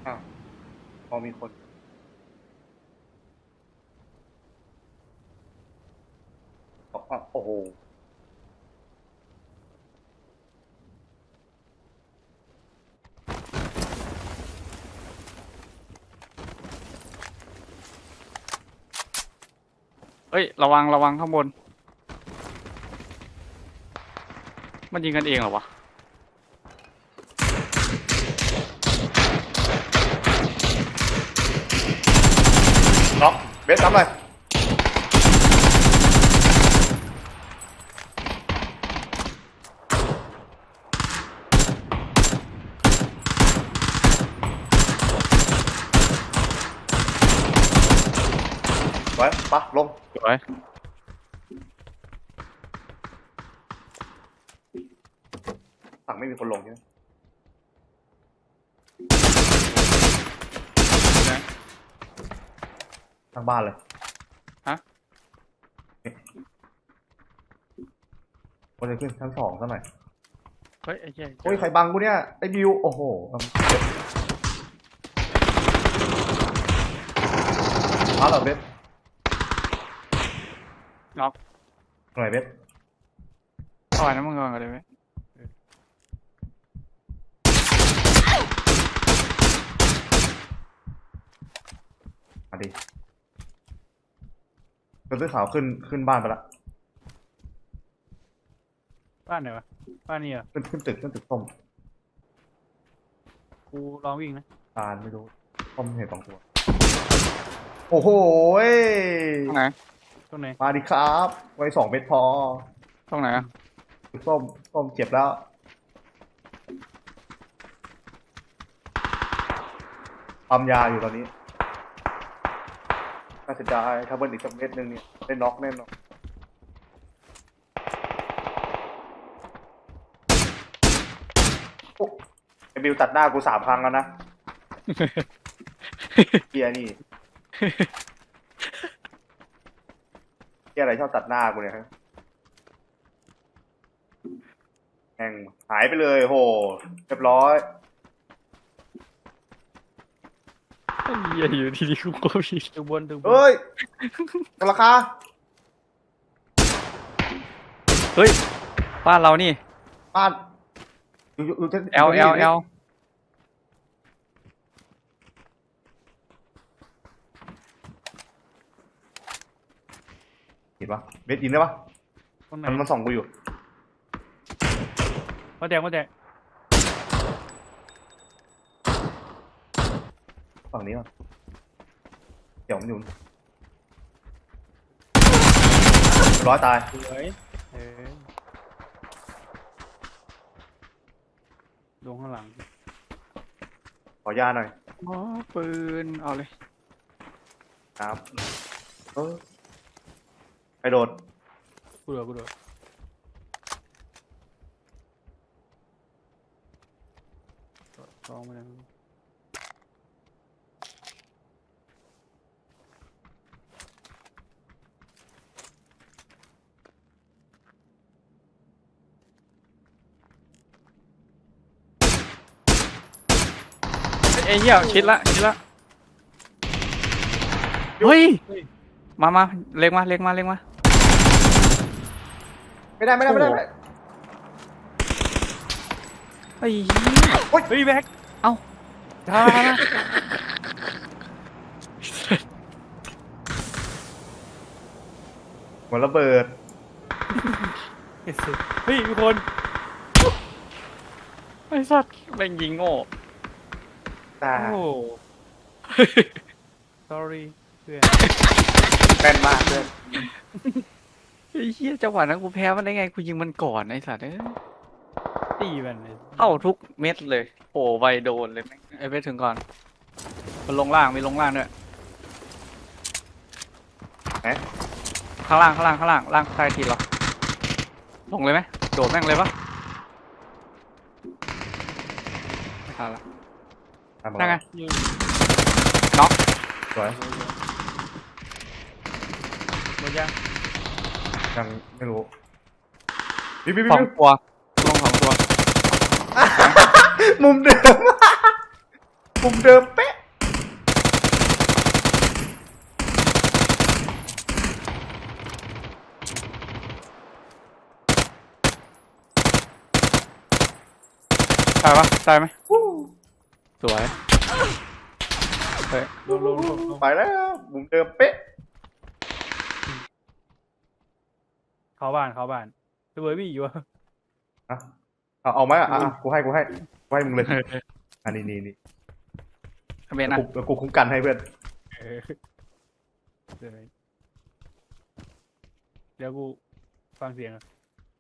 อ้าวพอมีคนบอกว่าโอ้โหเฮ้ยระวังระวังข้างบนมันยิงกันเองเหรอวะล็อกเบสทำอะไรไว้ปะลงสวยฝั่งไม่มีคนลงใช่ไหมทางบ้านเลยฮะคนจะขึ้นชั้นสองซะหน่อยเฮ้ยไอ้เหี้ยโอ้ยใครบังกูเนี่ยไอ้บิวโอ้โหมาเหรอเบสน็อกหน่อยเบสเอาไว้นะมึงก่อนเลยไหมมาดิเสื้อขาวขึ้นบ้านไปละบ้านไหนวะบ้านนี้เหรอขึ้นตึกส้มกูลองวิ่งนะตาลไม่รู้ส้มเห็นสองตัวโอ้โหยตรงไหนตรงไหนมาดิครับไว้2 เม็ดพอตรงไหนอะส้มเจ็บแล้วปั๊มยาอยู่ตอนนี้น่าจะได้ถ้าเบิ้ลอีกสักเม็ดนึงเนี่ยได้น็อกแน่นอนโอ้ไอ้บิวตัดหน้ากู3 ครั้งแล้วนะ เกียร์นี่เกียร์อะไรชอบตัดหน้ากูเนี่ยฮะแม่งหายไปเลยโหเรียบร้อยไอ้เหี้ยอยู่ที่นี่กูก็ผิดตึกบนเฮ้ยราคาเฮ้ยบ้านเรานี่บ้านอยู่ที่ L L L เห็นปะเบสอินได้ปะตรงไหนมันส่องกูอยู่มาแดงฝั่งนี้ก่อนเดี๋ยวมันอยู่ร้อยตายสวยลงข้างหลังขอยาหน่อยอ๋อปืนเอาเลยครับไปโดดกูโดดลองมาแล้วไอ้เหี้ยชิดละเฮ้ยมาเล็งมาไม่ได้ไอ้เหี้ยเฮ้ยแบ็คทาเหมือนระเบิดเฮ้ยมีคนไอ้สัตว์แม่งยิงโง่ตาโอ้ sorry เพื่อนแม่นมากเลยไอ้เหี้ยจังหวะนั้นกูแพ้มันได้ไงกูยิงมันก่อนไอ้สัตว์เอ้ยตีมันเลยเข้าทุกเม็ดเลยโอ้ไวโดนเลยแม่งไอ้ไปถึงก่อนมันลงล่างมีลงล่างด้วยไหนข้างล่างล่างใต้ทีเหรอลงเลยไหมโดดแม่งเลยปะไม่ทันละนั่งไงยิงน็อกสวยหมดยังยังไม่รู้บิวสองตัวลง2 ตัวมุมเดิมมุมเดิมเป๊ะตายปะตายไหมสวยเฮ้ยลงไปแล้วมุมเดิมเป๊ะเข้าบ้านระเบิดพี่อยู่วะอ่ะเอาไหมอ่ะกูให้มึงเลยอันนี้นี่เบนนะกูคุ้มกันให้เพื่อนเออเดี๋ยวกูฟังเสียงอ่ะ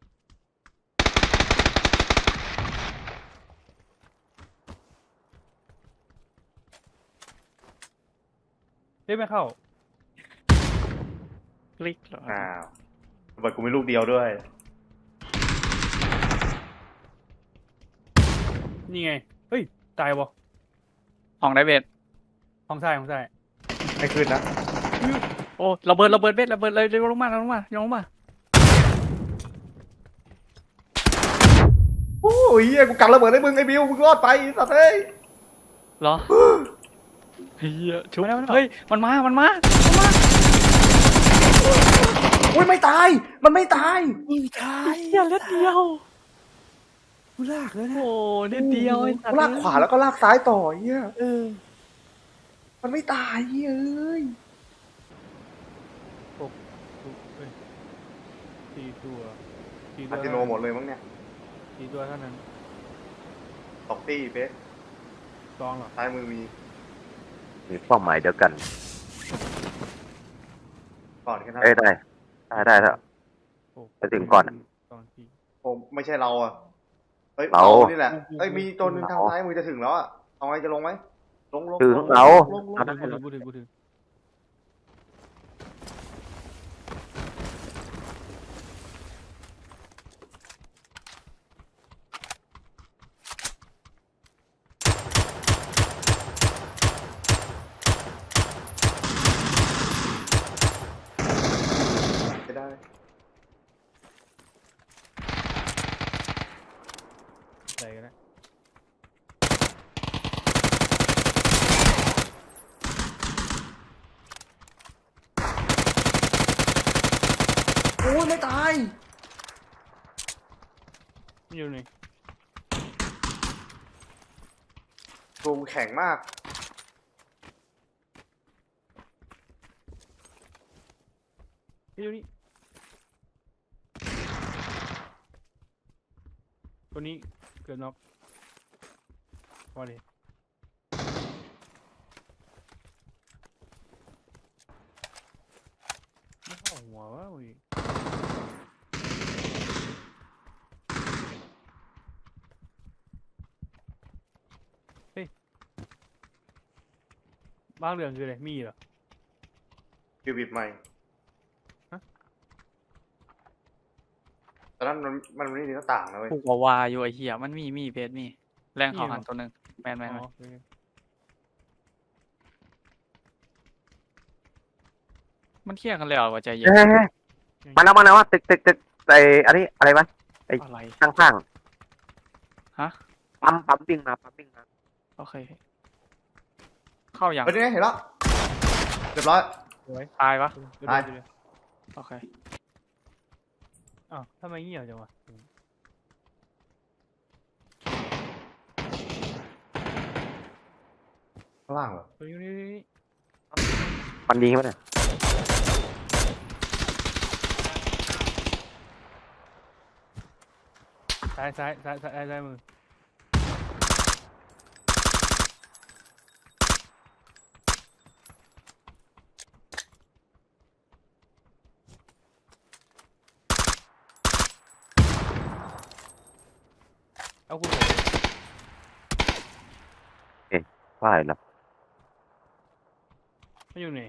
เฮ้ยไม่เข้าคลิกเหรออ้าวระเบิดกูมีลูกเดียวด้วยนี่ไงเฮ้ยตายบ่ห้องได้เบนห้องซ้ายให้ขึ้นนะโอ้ระเบิดเบนระเบิดเลยลงมาโอ้ยเหี้ยกูกันระเบิดให้มึงไอ้บิวมึงรอดไปสัตว์เอ้ยเหรอเฮียชุบเฮ้ยมันมาอุ้ยไม่ตายมันไม่ตายเฮียเล็ดเดียวกูลากแล้วนะโอ้เล็ดเดียวไอ้สัตกูว์ลากขวาแล้วก็ลากซ้ายต่อเหี้ยเออมันไม่ตายเหี้ยเอ้ยเอ้ยสี่ตัวอาร์ติโนหมดเลยมั้งเนี่ยสี่ตัวเท่านั้นตอกตี้เป๊ะลองเหรอซ้ายมือมีมีเป้าหมายเดียวกันก่อนแค่นั้นเอ้ยได้แล้วโอ้ไปถึงก่อนสองทีผมไม่ใช่เราอ่ะเฮ้ยเรานี่แหละเอ้ยมีตัวหนึงทางซ้ายมือจะถึงแล้วอ่ะเอาไงจะลงไหมลงถึงเราลงเอาได้กูถึงไม่ได้ใส่กันนะโอ้ยไม่ตายนี่อยู่นี่ตัวกูแข็งมากนี่อยู่นี่ตัวนี้เกือบน็อกพอดีไม่เข้าหัววะอุ้ยเฮ้ยบ้างเหลืองคืออะไรมีเหรอคิวบิดใหม่ฮะตอนนั้นมันไม่มีหน้าต่างนะเว้ยถูกวาอยู่ไอ้เหี้ยมันมีเพจมีแรงเขาหันตัวหนึ่งแมนอ๋อโอเคมันเที่ยงกันเลยเหรอว่าใจเย็นเฮ้ยมาแล้วว่าตึกไอ้อันนี้อะไรวะอะไรข้างฮะๆปั๊มวิ่งมาโอเค เข้าอย่างเฮ้ยนี่ไงเห็นแล้วเรียบร้อยสวยตายปะเดี๋ยวตายเดี๋ยวโอเคอ้าวทำไมเงียบจังวะข้างล่างเหรอเฮ้ยนี่มันยิงไหมเนี่ยซ้ายมือเอาคุณบอกใช่แล้วไม่อยู่ไหน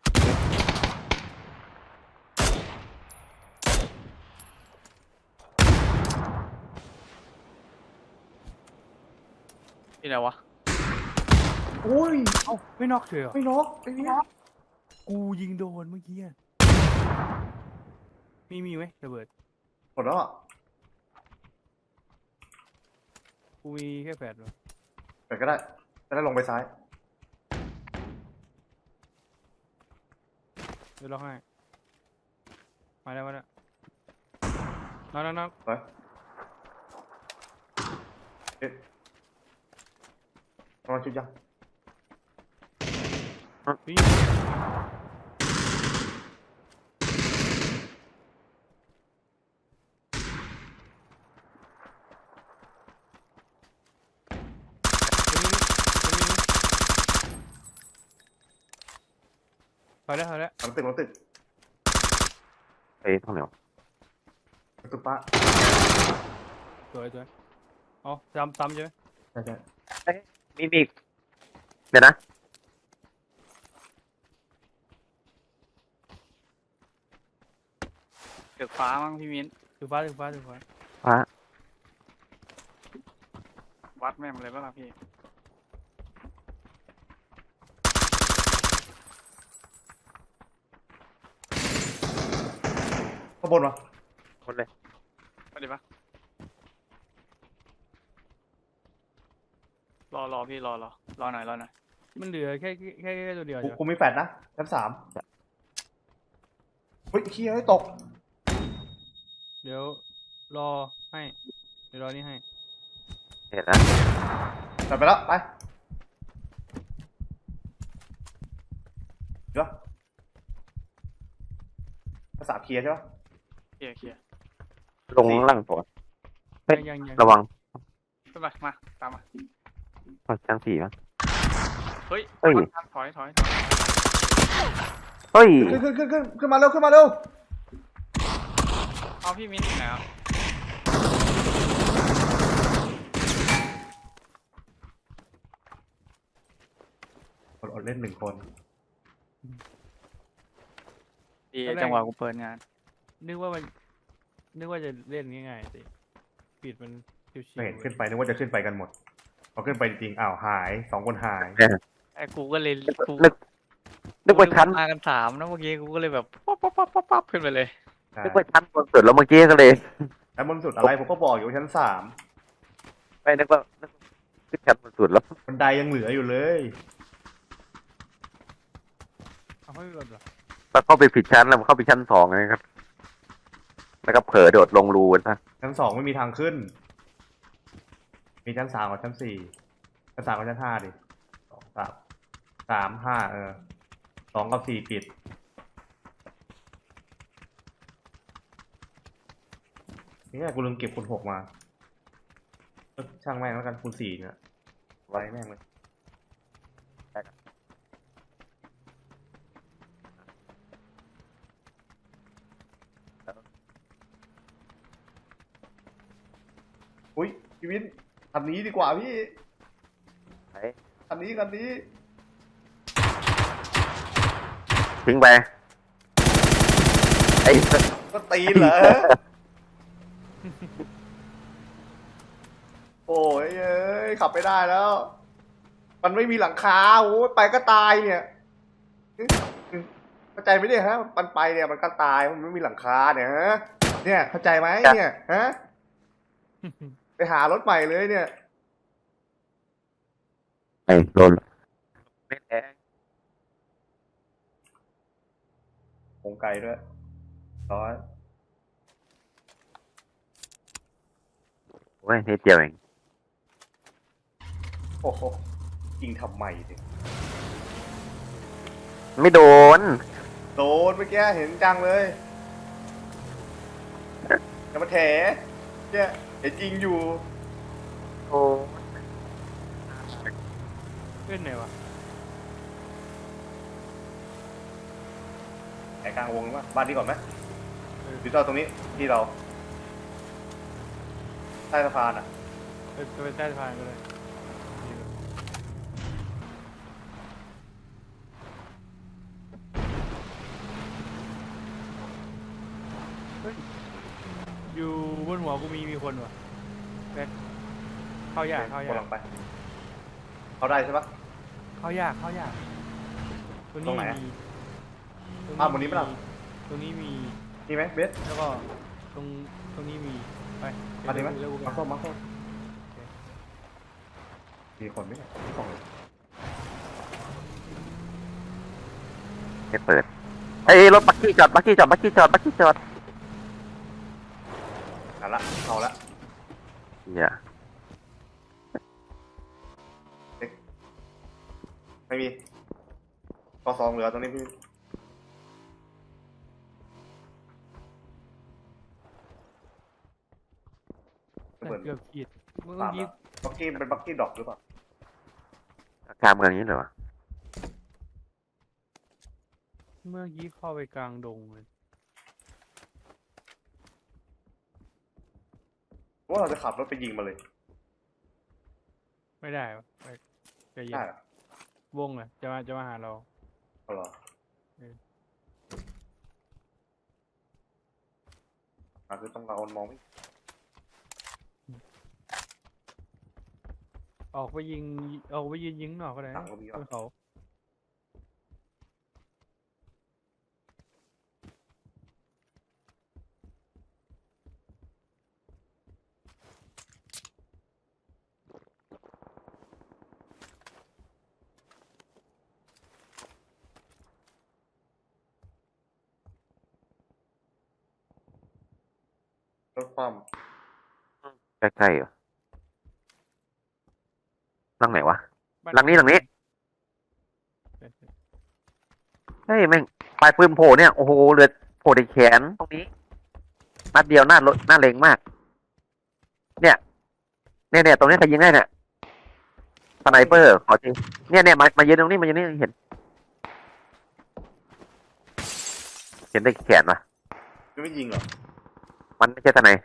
นี่อะไรวะโอ้ยเอ้าไม่น็อกเฉยเหรอไม่น็อกไอ้เนี่ยกูยิงโดนเมื่อกี้อะมีไหมระเบิดหมดแล้วอ่ะกูมีแค่แปดวะไปก็ได้แล้วลงไปซ้ายเดี๋ยวล็อกให้มาแล้วน็อกไปเอ๊ะประมาณชุดยังวิ่งพอแล้วหลังตึกเอ้ยตรงไหนวะหลังตึกป้าสวยเอาซ้ำใช่ไหมใช่ใช่มีอีกเดี๋ยวนะตึกฟ้ามั้งพี่มิ้นถือฟ้าฟ้าวัดแม่งเลยป่ะล่ะพี่ข้างบนวะคนเลยไปดิปะรอพี่รอหน่อยมันเหลือแค่ตัวเดียวกูจ้ะกูมีแฟดนะชั้น3เฮ้ยขี้ให้ตกเดี๋ยวรอให้เดี๋ยวรอนี่ให้เห็นนะตัดไปแล้วไปเดี๋ยวภาษาเคลียร์ใช่ปะเคลียร์ลงล่างตัว เฮ้ยยังระวังไปมาตามมาชั้น4มั้งเฮ้ยเฮ้ยถอยเฮ้ยขึ้นมาเร็วเอาพี่มิ้นไหนอ่ะอดเล่น1 คนดีจังหวะกูเปิดงานนึกว่าจะเล่นง่ายๆสิปิดมันชิวไม่เห็นขึ้นไปนึกว่าจะขึ้นไปกันหมดพอขึ้นไปจริงๆอ้าวหาย2 คนหายไอ้กูก็เลยกูนึกว่าชั้นมากัน3นะเมื่อกี้กูก็เลยแบบป๊อปขึ้นไปเลยนึกว่าชั้นบนสุดแล้วเมื่อกี้ก็เลยชั้นบนสุดอะไรผมก็บอกอยู่ว่าชั้น3 ไม่นึกว่าขึ้นชั้นบนสุดแล้วบันไดยังเหลืออยู่เลยๆเอาให้หลดเหรอแล้วเข้าไปผิดชั้นแล้วเข้าไปชั้น2นะครับ แล้วก็เผลอโดดลงรูนะชั้น2ไม่มีทางขึ้น มีชั้น3กับชั้น4ชั้น3กับชั้น5ดิ2 3 5 2 กับ 4ปิดนี่กูลืมเก็บคูณ 6มาช่างแม่งแล้วกันคูณ 4เนี่ยไว้แม่งเลยอุ้ยพี่วินคันนี้ดีกว่าพี่ไหนคันนี้ทิ้งไป ไอ้ก็ตีนเหรอ โอ้ยเอ้ยขับไม่ได้แล้ว มันไม่มีหลังคาโอ้ยไปก็ตายเนี่ยเข้าใจไหมเนี่ยฮะมันไปเนี่ยมันก็ตายมันไม่มีหลังคาเนี่ยฮะเนี่ยเข้าใจไหมเนี่ยฮะไปหารถใหม่เลยเนี่ยไอ้โดนไม่แรงโครงไก่ด้วยร้อยโอ้ยนิดเดียวเองโอ้โหยิงทำไมเนี่ยไม่โดนโดนเมื่อกี้เห็นจังเลยอย่ามาแถเนี่ยเห็นยิงอยู่โอ้เล่นไหนวะไหนกลางวงว่าบ้านนี้ก่อนไหมหรือเราตรงนี้ที่เราใต้สะพานอ่ะจะไปใต้สะพานก็เลยอยู่บนหัวกูมีคนวะแบ็คเข้ายากกำลังไป เขาได้ใช่ปะเข้ายากตัวตรนี้งไหนมีอ้าวบนนี้ปะล่ะตรงนี้มีนี่ไหมเบสแล้วก็ตรงนี้มีไปมาดีไหมเร็วๆมาส้มมีคนไหมเนี่ยมี2เลยไม่เปิดเอ้ยรถบักกี้จอดบักกี้จอดบักกี้จอดบักกี้จอดเอาละเอาละเหี้ยไม่มีกอสองเหลือตรงนี้พี่แต่เปิดเกือบขีดเมื่อตามกี้ละบักกี้เป็นบักกี้ดอกหรือเปล่ากลางเมืองนี้เหรอวะเมื่อกี้เข้าไปกลางดงเลยว่าเราจะขับรถไปยิงมาเลยไม่ได้วะไปใจเย็นได้เหรอวงเลยจะมาหาเราเอาเหรอเออคือต้องเรามองไม่ออกไปยิงยิงหนอกก็ได้หนันะงก็มีบว่ะนเขารถความใกล้ๆเหรอหลังไหนวะบ้าหลังนี้ใช่ใช่เฮ้ยแม่งปลายปืนโผล่เนี่ยโอ้โหเลือดโผล่ในแขนตรงนี้นัดเดียวหน้ารถหน้าเล็งมาก เนี่ยตรงนี้ใครยิงได้เนี่ยสไนเปอร์ขอจริงเนี่ยมายืนตรงนี้มายืนนี่เห็นได้แขนวะจะไม่ยิงเหรอมันไม่ใช่สไน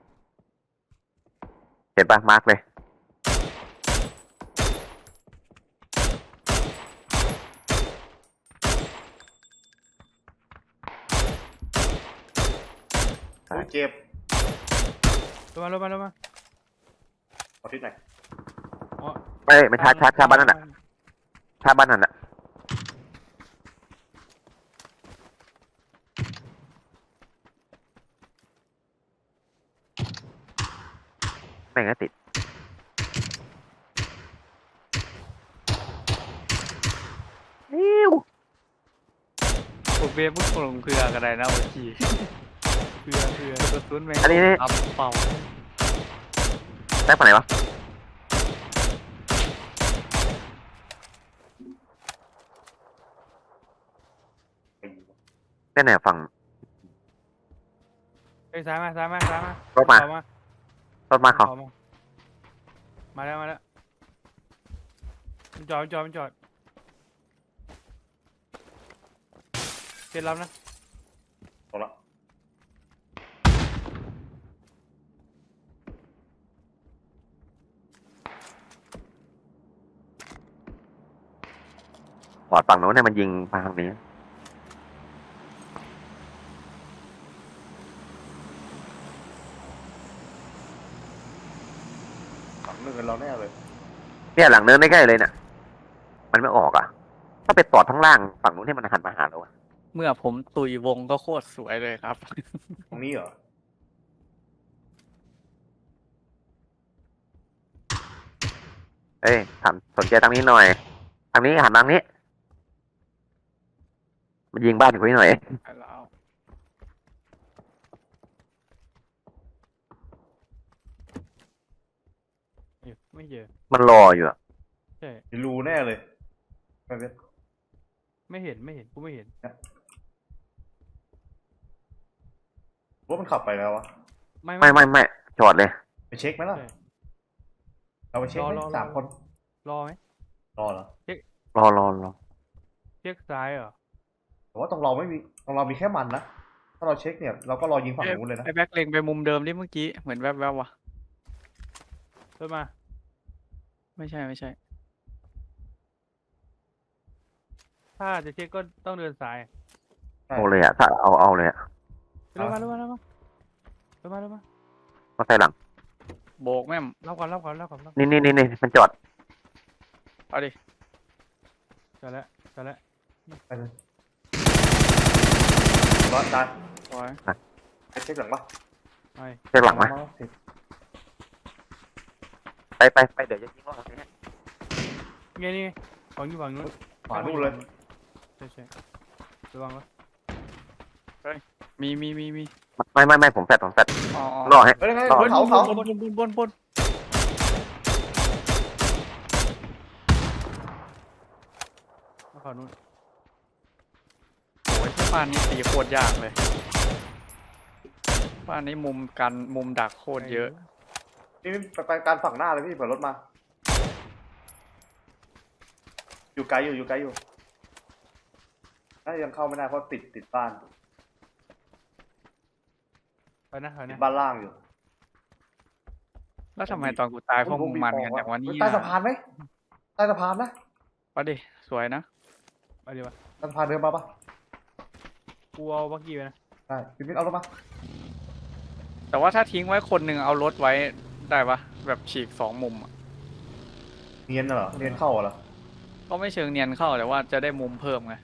เห็นปะมาร์กเลยใช่โอ้ยเจ็บลงมาเอาทิศไหนอ๋อเอ้ยไม่ชาบ้านนั่นน่ะชาบ้านนั่นน่ะแม่งก็ติดอิ้วผมเบฟมึงลงเครือกันได้นะโอจีเพื่อกระสุนแม่งอันนี้อับเป่าแท็กฝั่งไหนวะไปยิงแน่ๆฝั่งเอ้ยซ้ายมารถมาเขรถมาเขามาแล้วมันจอดเป็นรับนะตรงละปอดฝั่งโน้นเนี่ยมันยิงมาทางนี้หลังหนึ่งกันเราแน่เลยเนี่ยหลังเนินใกล้ๆเลยเนี่ยมันไม่ออกอ่ะ ถ้าไปตอดข้างล่างฝั่งนู้นให้มันหันมาหาเราอะเมื่อผมตุยวงก็โคตรสวยเลยครับตรงนี้เหรอเอ้ยถามสนใจทางนี้หน่อย ทางนี้หันทางนี้ มันยิงบ้านคุยหน่อยแล้วไม่เจอมันรออยู่อะใช่มีรูแน่เลยไม่เป็นไม่เห็นกูไม่เห็นว่ามันขับไปแล้ววะไม่จอดเลยไปเช็คไหมล่ะใช่เราไปเช็คไหมรอสามคนรอไหมรอเหรอรอเช็คซ้ายเหรอแต่ว่าตรงเราไม่มีตรงเรามีแค่มันนะ ถ้าเราเช็คเนี่ยเราก็รอยิงฝั่งนู้นเลยนะไอ้แบ็คเล็งไปมุมเดิมที่เมื่อกี้เหมือนแวบๆว่ะรถมาไม่ใช่ถ้าจะเช็คก็ต้องเดินซ้ายเอาเลยอะถ้าเอาเลยอะลงมามาใส่หลังโบกแม่มรับก่อนนี่มันจอดเอาดิจอดแล้วไปเลยรอตายสวยไปเช็คหลังปะไปใส่หลังมาสิไปเดี๋ยวจะยิงรอบนี้นี่ฝั่งนู้นขวานู่นเลยใช่ระวังวะมีไม่ผมแฟดผมแฟดอ๋อรอให้เฮ้ยไงต่อเขาเขาบนฝั่งนู้นโอ้ยที่บ้านนี้ตีโคตรยากเลยบ้านนี้มุมดักโคตรเยอะนี่ไปการฝั่งหน้าเลยพี่เปิดรถมา อยู่ไกลอยู่น่าจะยังเข้าไม่ได้เพราะติดบ้านไปนะติดบ้านล่างอยู่แล้วทำไมตอนกูตายพวกมึงมันกันอย่างวันนี้ใต้สะพานไหมใต้สะพานนะวะดิสวยนะไปดีวะใต้สะพานเดินมาปะกูเอาบักกี้ไปนะได้พี่มิ้นเอารถมาแต่ว่าถ้าทิ้งไว้คนหนึ่งเอารถไว้ได้ปะแบบฉีก2 มุมอะเนียนเหรอเนียนเข้าเหรอก็ไม่เชิงเนียนเข้าแต่ว่าจะได้มุมเพิ่มไง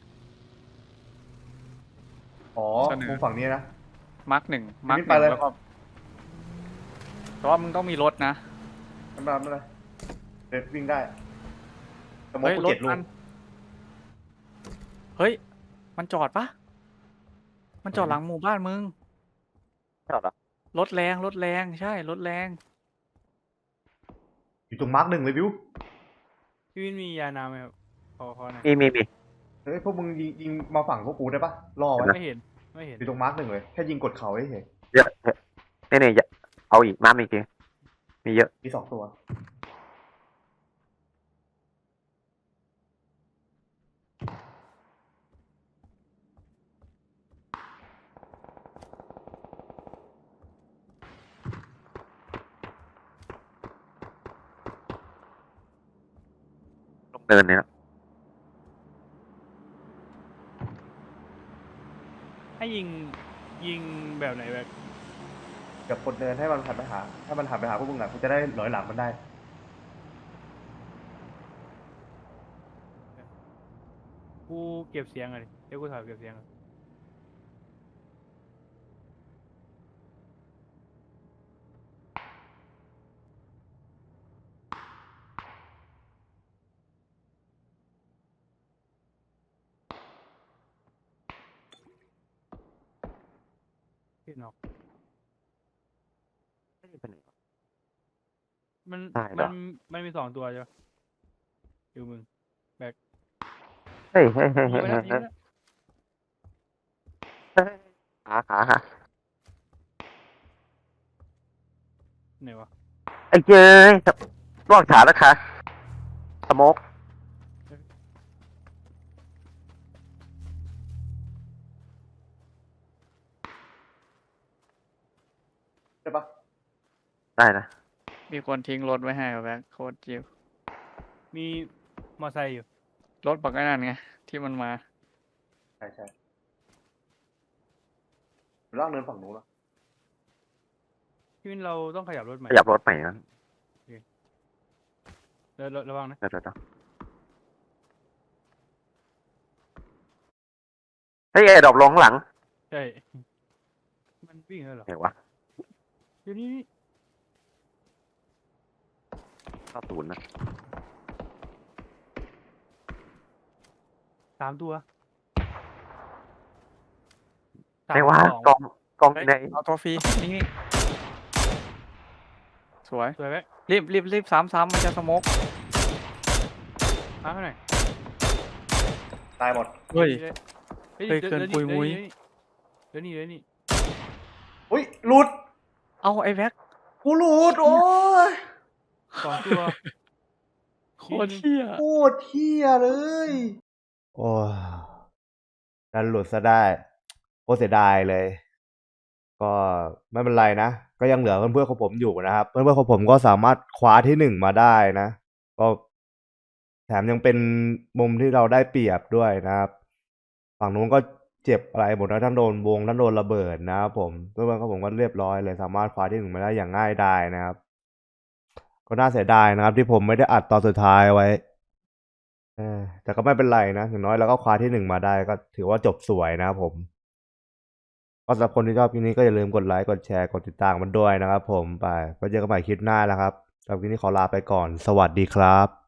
อ๋อเสนอมุมฝั่งนี้นะมาร์ก 1มาร์กไปเลยแล้วก็แต่ว่ามึงต้องมีรถนะไม่เป็นไรเดินวิ่งได้สมมติเฮ้ยกูรถ 7 ลูมักนเฮ้ยมันจอดปะมันจอดหลังหมู่บ้านมึงชอบเหรอรถแรงใช่รถแรงอยู่ตรงมาร์ก 1เลยวิวพี่วินมียาน้ำไหมครับขอหน่อยมีเฮ้ยพวกมึงยิงมาฝั่งพวกกูได้ปะล่อไว้ไม่เห็นอยู่ตรงมาร์ก 1เลยแค่ยิงกดเขาเฉยเยอะเนี่ยเอาอีกน้ำอีกทีมีเยอะมี2 ตัวลงเดินเนี่ยให้ยิงแบบไหนแบบกับกดเนินให้มันหันไปหาพวกมึงอ่ะกูจะได้หลอยหลังมันได้กูเก็บเสียงอะดิเดี๋ยวกูถอยเก็บเสียงก่อน พี่นอกมันได้เหรอมันมี2 ตัวใช่ปะอยู่มึงเฮ้ยยิงไปแล้วยิงไปแล้วขาไหนวะไอ้เจ้ยลอกขาแล้วค่ะสโมกใช่ปะได้นะมีคนทิ้งรถไว้ให้กับแบ็คโคตรจิวมีมอไซค์อยู่รถบักไอ้นั่นไงที่มันมาใช่ล่างเนินฝั่งนู้นแล้วพี่วินเราต้องขยับรถใหม่ขยับรถใหม่นะระวังนะเดี๋ยวเฮ้ยไอ้ดอกลงข้างหลังใช่มันวิ่งแล้วเหรอไหนวะเดี๋ยวนี้ 90นะ 3 ตัวไหนวะ 3 2 กองเฮ้ยไหนเอาตัวฟรีนี่สวยสวยไหมรีบซ้ำมันจะสโมกมาให้หน่อยตายหมดเฮ้ยเฮ้ยเฮ้ยเกินปุยมุ้ยเดี๋ยวนี่อุ้ยหลุดเอาไอ้แบ็คกูหลุดโอ้ย 2 ตัวโคตรเที่ยโคตรเที่ยเลย โอ้ยดันหลุดซะได้โคตรเสียดายเลย ก็ไม่เป็นไรนะ ก็ยังเหลือเพื่อนๆของผมอยู่นะครับ เพื่อนๆของผมก็สามารถคว้าที่ 1มาได้นะ ก็แถมยังเป็นมุมที่เราได้เปรียบด้วยนะครับ ฝั่งนู้นก็เจ็บอะไรหมดนะทั้งโดนวงทั้งโดนระเบิดนะครับผมเพื่อนๆของผมก็เรียบร้อยเลย สามารถคว้าที่ 1มาได้อย่างง่ายดายนะครับ ก็น่าเสียดายนะครับ ที่ผมไม่ได้อัดตอนสุดท้ายไว้แต่ก็ไม่เป็นไรนะอย่างน้อยเราก็คว้าที่ 1มาได้ก็ถือว่าจบสวยนะครับผม ก็สำหรับคนที่ชอบคลิปนี้ก็อย่าลืมกดไลค์กดแชร์กดติดตามมันด้วยนะครับผมไปไว้เจอกันใหม่คลิปหน้านะครับสำหรับคลิปนี้ขอลาไปก่อนสวัสดีครับ